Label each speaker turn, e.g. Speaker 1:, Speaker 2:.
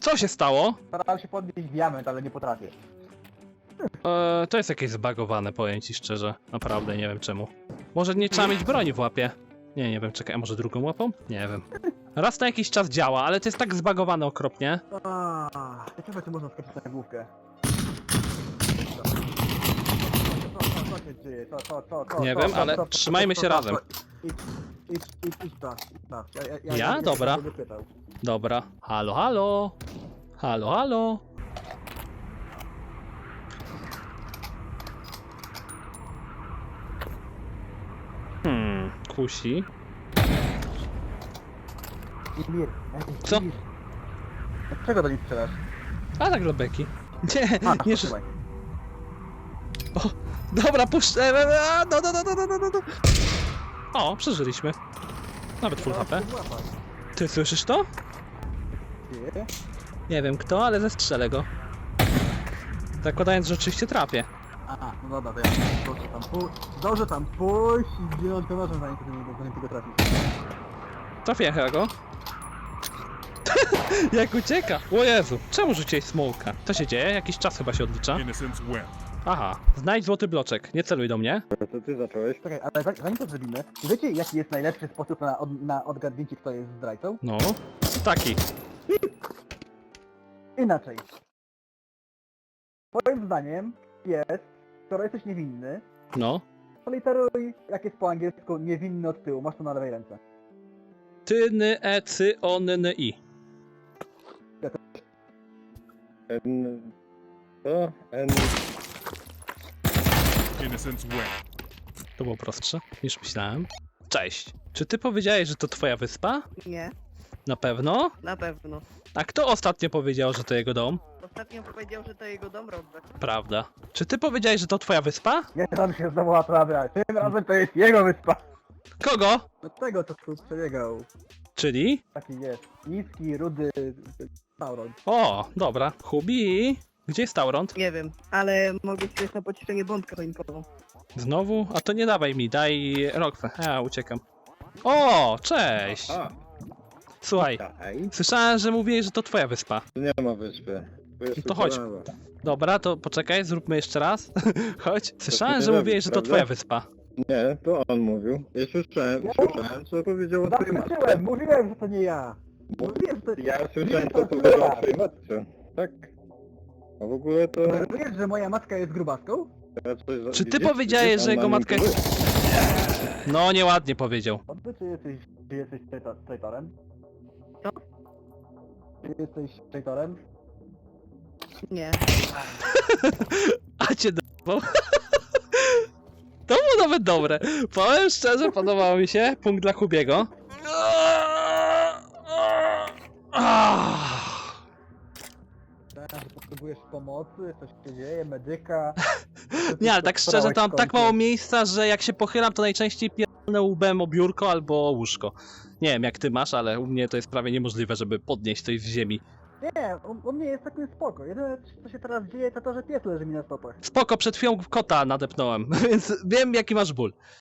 Speaker 1: Co się stało?
Speaker 2: Starałem się podnieść diament, ale nie potrafię.
Speaker 1: To jest jakieś zbagowane, powiem ci szczerze. Naprawdę nie wiem czemu. Może nie trzeba mieć broni w łapie? Nie wiem, czekaj, a może drugą łapą? Nie wiem. Raz na jakiś czas działa, ale to jest tak zbagowane okropnie.
Speaker 2: Ciekawe, czy można skoczyć na główkę. Co się dzieje?
Speaker 1: Nie wiem, ale trzymajmy się razem.
Speaker 2: Idź tak.
Speaker 1: Ja? Dobra.
Speaker 2: będę pytał.
Speaker 1: Dobra. Halo, halo. Halo, halo. Kusi.
Speaker 2: Mir,
Speaker 1: Co?
Speaker 2: Czego do nich strzelasz?
Speaker 1: A tak dla beki. Nie, nie,
Speaker 2: słuchaj.
Speaker 1: dobra, puszczę. No. O, przeżyliśmy. Nawet full HP. Ty słyszysz to?
Speaker 2: Nie?
Speaker 1: Nie wiem kto, ale zestrzelę go. Zakładając, że oczywiście trafię.
Speaker 2: Aha, no dobra, to ja zdążę tam pójść i zdjąć go nożem, zanim tego trafisz.
Speaker 1: Trafię go. Jak ucieka! O Jezu, czemu rzuciłeś smoka? Co się dzieje? Jakiś czas chyba się odlicza.
Speaker 3: Innocence win.
Speaker 1: Aha, znajdź złoty bloczek. Nie celuj do mnie.
Speaker 2: To ty zacząłeś? Czekaj, ale zanim to zrobimy, wiecie jaki jest najlepszy sposób na odgadnięcie, kto jest zdrajcą?
Speaker 1: No, taki.
Speaker 2: Inaczej. Moim zdaniem jest, skoro jesteś niewinny,
Speaker 1: No.
Speaker 2: to literuj, jak jest po angielsku, niewinny od tyłu, masz to na lewej ręce.
Speaker 1: Ty, ny, e, cy, o, ny, ny, i.
Speaker 3: Innocence win.
Speaker 1: To było prostsze niż myślałem. Cześć. Czy ty powiedziałeś, że to twoja wyspa?
Speaker 4: Nie,
Speaker 1: Na pewno?
Speaker 4: na pewno.
Speaker 1: A kto ostatnio powiedział, że to jego dom?
Speaker 4: Ostatnio powiedział, że to jego dom Robert.
Speaker 1: Prawda. Czy ty powiedziałeś, że to twoja wyspa?
Speaker 2: Nie dam się znowu naprawiać, tym razem to jest jego wyspa.
Speaker 1: Kogo?
Speaker 2: Do tego, co tu przebiegał.
Speaker 1: Czyli?
Speaker 2: Taki jest, niski, rudy, Sauron.
Speaker 1: O, dobra. Hubi. Gdzie jest Tauront?
Speaker 4: Nie wiem, ale mogę ci na pocieszenie bombkę choinkową.
Speaker 1: Znowu? A to nie dawaj mi, daj Roxę. Ja uciekam. O, cześć! Słuchaj, słyszałem, że mówiłeś, że to twoja wyspa.
Speaker 5: Tu nie ma wyspy.
Speaker 1: No to chodź. Dobra, to poczekaj, zróbmy jeszcze raz. Chodź. Słyszałem,
Speaker 5: nie
Speaker 1: że
Speaker 5: robi,
Speaker 1: mówiłeś, że to
Speaker 5: prawda?
Speaker 1: twoja wyspa.
Speaker 5: Nie, to on mówił. Ja słyszałem, co powiedział o twojej matce.
Speaker 2: Zaskoczyłem, mówiłem, że to nie ja. Mówiłem, że to
Speaker 5: Ja słyszałem, co powiedział o twojej matce. Tak. A w ogóle to...
Speaker 2: Wiesz, że moja matka jest grubaską?
Speaker 5: Ja coś za-
Speaker 1: Czy ty
Speaker 5: widzisz?
Speaker 1: powiedziałeś,
Speaker 5: Widzisz,
Speaker 1: że
Speaker 5: on
Speaker 1: jego matka jest...
Speaker 5: manipuluje.
Speaker 1: No, nieładnie powiedział.
Speaker 2: Czy jesteś traitorem?
Speaker 4: Co?
Speaker 2: Czy jesteś traitorem?
Speaker 4: Nie.
Speaker 1: A cię d***ał. To było nawet dobre. Powiem szczerze, podobało mi się. Punkt dla Hubiego.
Speaker 2: Tak, że potrzebujesz pomocy, coś się dzieje, medyka.
Speaker 1: Nie, ale tak szczerze, to mam tak mało miejsca, że jak się pochylam, to najczęściej pierdolę łbem o biurko albo o łóżko. Nie wiem jak ty masz, ale u mnie to jest prawie niemożliwe, żeby podnieść coś z ziemi.
Speaker 2: Nie, u mnie jest takim spoko. Jedyne co się teraz dzieje to to, że pies leży mi na stopach.
Speaker 1: Spoko, przed chwilą kota nadepnąłem, więc wiem jaki masz ból.